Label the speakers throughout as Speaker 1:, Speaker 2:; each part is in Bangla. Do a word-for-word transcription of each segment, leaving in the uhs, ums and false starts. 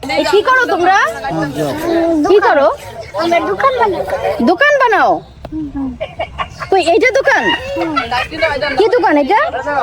Speaker 1: কি করো তোমরা? কি করো?
Speaker 2: আমরা দোকান বানাই।
Speaker 1: দোকান বানাও? কই এইটা দোকান? কি দোকান এটা?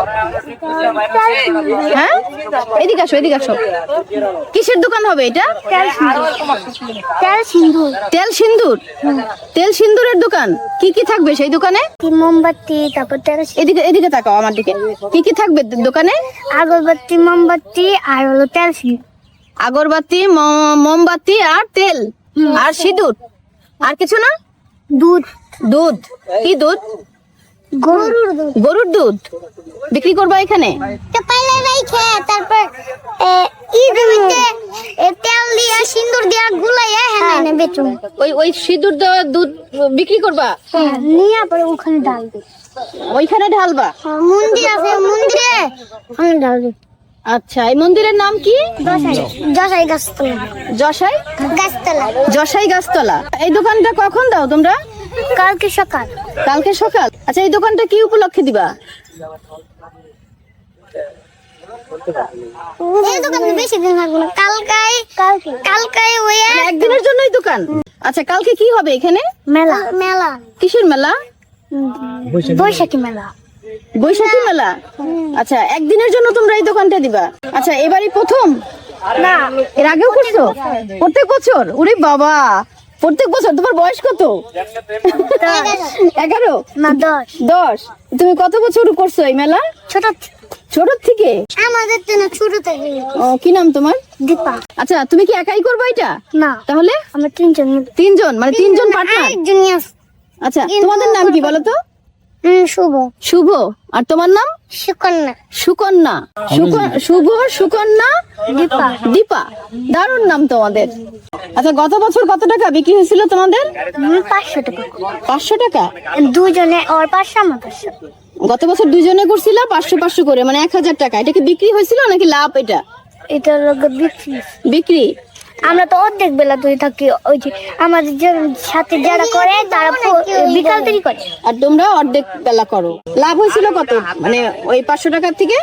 Speaker 1: হ্যাঁ, এদিকে আসো, এদিকে আসো। কিসের দোকান হবে এটা?
Speaker 2: তেল সিন্দুর।
Speaker 1: তেল সিন্দুর? তেল সিন্দুরের দোকান। কি কি থাকবে সেই দোকানে?
Speaker 2: মোমবাতি, তারপর তেল,
Speaker 1: এদিকে এদিকে তাকাও আমার দিকে। কি কি থাকবে দোকানে?
Speaker 2: আগরবাতি, মোমবাতি আর হলো তেল সিন্দুর।
Speaker 1: আগরবাতি, মোমবাতি আর তেল আর সিঁদুর। আর কিছু না?
Speaker 2: দুধ।
Speaker 1: দুধ? কি দুধ?
Speaker 2: গরুর দুধ।
Speaker 1: গরুর দুধ বিক্রি করবা এখানে?
Speaker 2: পাইলে রাইখে তারপর ঈদ হইতে তেল দিয়া সিন্দুর দিয়া গুলাইয়া হ্যাঁ না বেচুম।
Speaker 1: ওই ওই সিঁদুর দেওয়া দুধ বিক্রি করবা?
Speaker 2: হ্যাঁ, নিয়ে পরে ওখানে ঢালবে।
Speaker 1: ওইখানে ঢালবা?
Speaker 2: মন্দির আছে, মন্দিরে ওখানে ঢালবে।
Speaker 1: আচ্ছা, এই মন্দিরের নাম কি?
Speaker 2: জশাই। জশাই গাছতলা।
Speaker 1: জশাই
Speaker 2: গাছতলা।
Speaker 1: জশাই গাছতলা। এই দোকানটা কখন দাও তোমরা?
Speaker 2: কালকে সকাল।
Speaker 1: কালকে সকাল। আচ্ছা, এই দোকানটা কি উপলক্ষে দিবা?
Speaker 2: এই দোকানে বেশি দিন থাকবো না, কালকাই কালকে কালকাই ওই
Speaker 1: একদিনের জন্যই দোকান? আচ্ছা, কালকে কি হবে এখানে?
Speaker 2: মেলা। মেলা
Speaker 1: কিসের মেলা?
Speaker 2: বৈশাখী মেলা।
Speaker 1: বৈশাখী মেলা। আচ্ছা, একদিনের জন্য তোমরা এই দোকানটা দিবা? আচ্ছা, এবারই প্রথম
Speaker 2: না,
Speaker 1: এর আগেও করছো? প্রত্যেক বছর? ওরে বাবা, প্রত্যেক বছর। তোমার বয়স কত? এগারো
Speaker 2: না দশ।
Speaker 1: দশ। তুমি কত বছর করছো এই মেলা?
Speaker 2: ছোট
Speaker 1: ছোট থেকে?
Speaker 2: আমাদের তো না ছোট থেকে।
Speaker 1: ও, কি নাম তোমার?
Speaker 2: দীপা।
Speaker 1: আচ্ছা, তুমি কি একাই করবা এটা?
Speaker 2: না,
Speaker 1: তাহলে
Speaker 2: আমরা তিনজন।
Speaker 1: তিনজন? মানে তিনজন পার্টনার?
Speaker 2: একজন আছে।
Speaker 1: আচ্ছা, তোমাদের নাম কি বলো তো?
Speaker 2: হুম, শুভ।
Speaker 1: শুভ। আর তোমার নাম?
Speaker 2: সুকন্যা।
Speaker 1: সুকন্যা। সুক- শুভ, সুকন্যা,
Speaker 2: দীপা।
Speaker 1: দীপা। দারুণ নাম তোমাদের। আচ্ছা, গত বছর কত টাকা বিক্রি হয়েছিল তোমাদের?
Speaker 2: হুম, পাঁচশো টাকা।
Speaker 1: পাঁচশো টাকা?
Speaker 2: দুজনে ওর পাঁচশো, আমার পাঁচশো।
Speaker 1: গত বছর দুজনে করছিল পাঁচশো পাঁচশো করে, মানে এক হাজার টাকা। এটা কি বিক্রি হয়েছিল নাকি লাভ? এটা
Speaker 2: এটা হলো বিক্রি।
Speaker 1: বিক্রি।
Speaker 2: আমরা তো অর্ধেক বেলা ধরে থাকি, ওই যে আমাদের যে সাথে যারা করে তারা পো- বিকাল দেরি করে।
Speaker 1: আর তোমরা অর্ধেক বেলা করো। লাভ হয়েছিল কত? মানে ওই পাঁচশো টাকার থেকে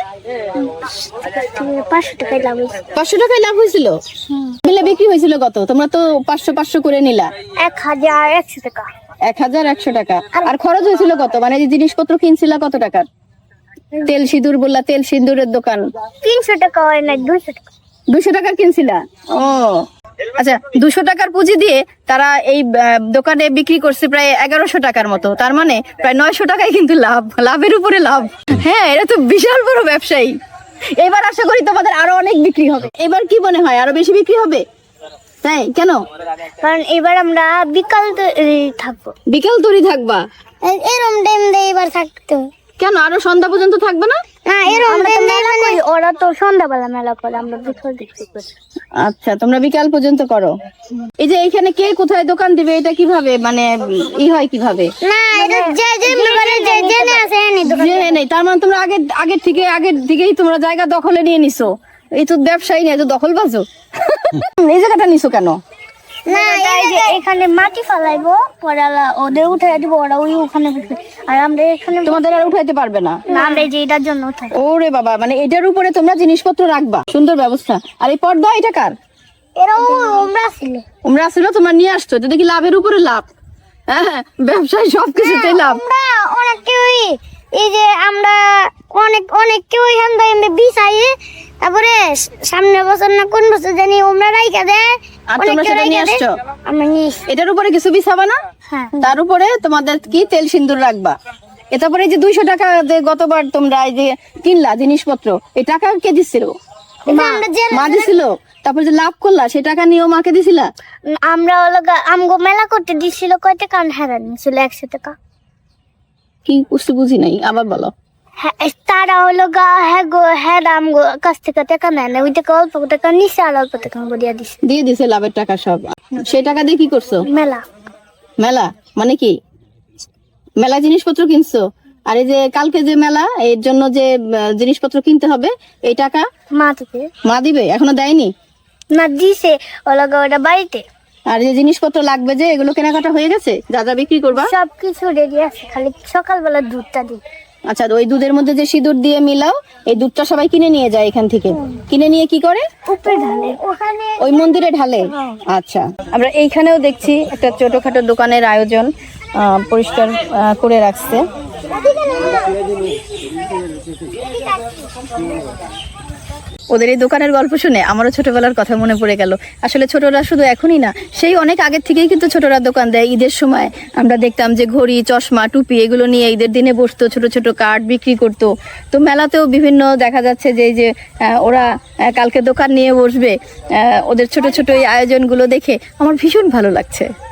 Speaker 2: পাঁচশো টাকায় লাভ হয়েছে।
Speaker 1: পাঁচশো টাকায় লাভ হয়েছিল। মিলে বিক্রি হয়েছিল কত? তোমরা তো পাঁচশো পাঁচশো করে নিলা।
Speaker 2: এক হাজার একশো টাকা।
Speaker 1: এক হাজার একশো টাকা। আর খরচ হয়েছিল কত? মানে যে জিনিসপত্র কিনছিলা কত টাকার? তেল সিঁদুর বললা, তেল সিঁদুরের দোকান।
Speaker 2: তিনশো টাকা হয় না, দুইশো টাকা।
Speaker 1: দুশো টাকার কিনছিলা? ও আচ্ছা, দুশো টাকার পুঁজি দিয়ে তারা এই আহ, দোকানে বিক্রি করছে প্রায় এগারোশো টাকার মতো। তার মানে প্রায় নয়শো টাকায় কিন্তু লাভ। লাভের উপরে লাভ। হ্যাঁ, এটা তো বিশাল বড় ব্যবসায়ী। এবার আশা করি তোমাদের আরো অনেক বিক্রি হবে। এবার কি মনে হয় আরো বেশি বিক্রি হবে? তাই কেন?
Speaker 2: কারণ এবার আমরা বিকাল দ- থাকবো।
Speaker 1: বিকেল তৈরি থাকবা?
Speaker 2: এ- এরম টাইম দিয়ে এবার থাকতো।
Speaker 1: কেন আরো সন্ধ্যা পর্যন্ত থাকবে না?
Speaker 2: না, এরম টাইম মেলা করি, ওরা তো সন্ধ্যাবেলা মেলা করে, আমরা বিকাল দেখতে করি।
Speaker 1: আচ্ছা, তোমরা বিকাল পর্যন্ত করো। এই যে এখানে কে কোথায় দোকান দিবে এটা কিভাবে মানে ই হয় কিভাবে?
Speaker 2: না, এটা যে যে মেলারে যে জেনে আছে এনে দোকান।
Speaker 1: যে নেই, তার মানে তোমরা আগে আগের থেকে আগের থেকেই তোমরা জায়গা দখলে নিয়ে নিছো। এই তো ব্যবসায়ী নেই, তো দখল বাজো। এই জায়গাটা নিছো কেন?
Speaker 2: না, এই যে এখানে মাটি ফালাইবো, পরে আলা- ওদের উঠাই দিব, ওরা ওই ওখানে বসবে। আর আমরা এখানে
Speaker 1: তোমাদের আর উঠাইতে পারবে না?
Speaker 2: না, আমরা এই যে এটার জন্য উঠাই।
Speaker 1: ওরে বাবা, মানে এটার উপরে তোমরা জিনিসপত্র রাখবা। সুন্দর ব্যবস্থা। আর এই পর্দা এটা কার?
Speaker 2: এরা আমরা ছিল।
Speaker 1: তোমরা আসলে তোমরা নিয়ে আসছো, এটা দেখি লাভের উপরে লাভ। হ্যাঁ, ব্যবসায় সবকিছুতেই লাভ।
Speaker 2: আমরা অনেক কেউই এই যে আমরা অনেক অনেক কেউ এখান থেকে বিছাই, তারপরে সামনে বছর না কোন বছর জানি ওমরা রাইখা দেয়।
Speaker 1: আর
Speaker 2: অনেক
Speaker 1: তোমরা
Speaker 2: কেউ
Speaker 1: সেটা নিয়ে
Speaker 2: রাইখা দেয়,
Speaker 1: আসছো?
Speaker 2: আমরা নিয়ে এসছি।
Speaker 1: এটার উপরে কিছু বিছাবা না?
Speaker 2: হ্যাঁ।
Speaker 1: তার উপরে তোমাদের কি তেল সিন্দুর রাখবা। এ তারপরে এই যে দুইশো টাকা যে গতবার তোমরা এই যে কিনলা জিনিসপত্র, এই টাকা কে দিচ্ছিল?
Speaker 2: এটা আমরা যে
Speaker 1: মা দিছিল। তারপর যে লাভ করলা সে টাকা নিয়েও মাকে দিছিলা?
Speaker 2: আমরা হলো গা- আমগো মেলা করতে দিছিল কয় টাকা, হেরান ছিল একশো টাকা।
Speaker 1: কি বুঝতে বুঝি নাই, আবার বলো।
Speaker 2: হ্যাঁ, তারা হলো গা হ্যাঁ গো হ্যাঁ আমগো কাছ থেকে টাকা নেয় না, ওই টাকা অল্প টাকা নিচ্ছে আর অল্প টাকা আমগো দিয়া দিছে।
Speaker 1: দিয়ে দিছে লাভের টাকা সব। সেই টাকা দিয়ে কি করছো?
Speaker 2: মেলা।
Speaker 1: মেলা মানে কি? মেলা জিনিসপত্র কিনছো? আর এই যে কালকে যে মেলা, এর জন্য যে আহ, জিনিসপত্র কিনতে হবে, এই টাকা
Speaker 2: মা থেকে
Speaker 1: মা দিবে? এখনো দেয়নি?
Speaker 2: না, দিছে হলো গা ওটা বাড়িতে।
Speaker 1: আর যে জিনিসপত্র লাগবে যে এগুলো কেনাকাটা হয়ে গেছে? যা যা বিক্রি করবা?
Speaker 2: সবকিছু রেডি আছে, খালি সকালবেলা দুধটা দিই।
Speaker 1: আচ্ছা, ওই দুধের মধ্যে যে সিঁদুর দিয়ে মিলাও, এই দুধটা সবাই কিনে নিয়ে যায় এখান থেকে। কিনে নিয়ে কি করে?
Speaker 2: উপরে ঢালে ওখানে
Speaker 1: ওই মন্দিরে ঢালে। আচ্ছা, আমরা এইখানেও দেখছি একটা ছোটখাটো দোকানের আয়োজন, আহ, পরিষ্কার আহ, করে রাখছে। ওদের এই দোকানের গল্প শুনে আমারও ছোটবেলার কথা মনে পড়ে গেল। আসলে ছোটরা শুধু এখনই না, সেই অনেক আগের থেকেই কিন্তু ছোটরা দোকান দেয়। ঈদের সময় আমরা দেখতাম যে ঘড়ি, চশমা, টুপি এগুলো নিয়ে ঈদের দিনে বসতো, ছোট ছোট কার্ড বিক্রি করতো। তো মেলাতেও বিভিন্ন দেখা যাচ্ছে যে এই যে আহ, ওরা আহ, কালকে দোকান নিয়ে বসবে, আহ, ওদের ছোট ছোট এই আয়োজনগুলো দেখে আমার ভীষণ ভালো লাগছে।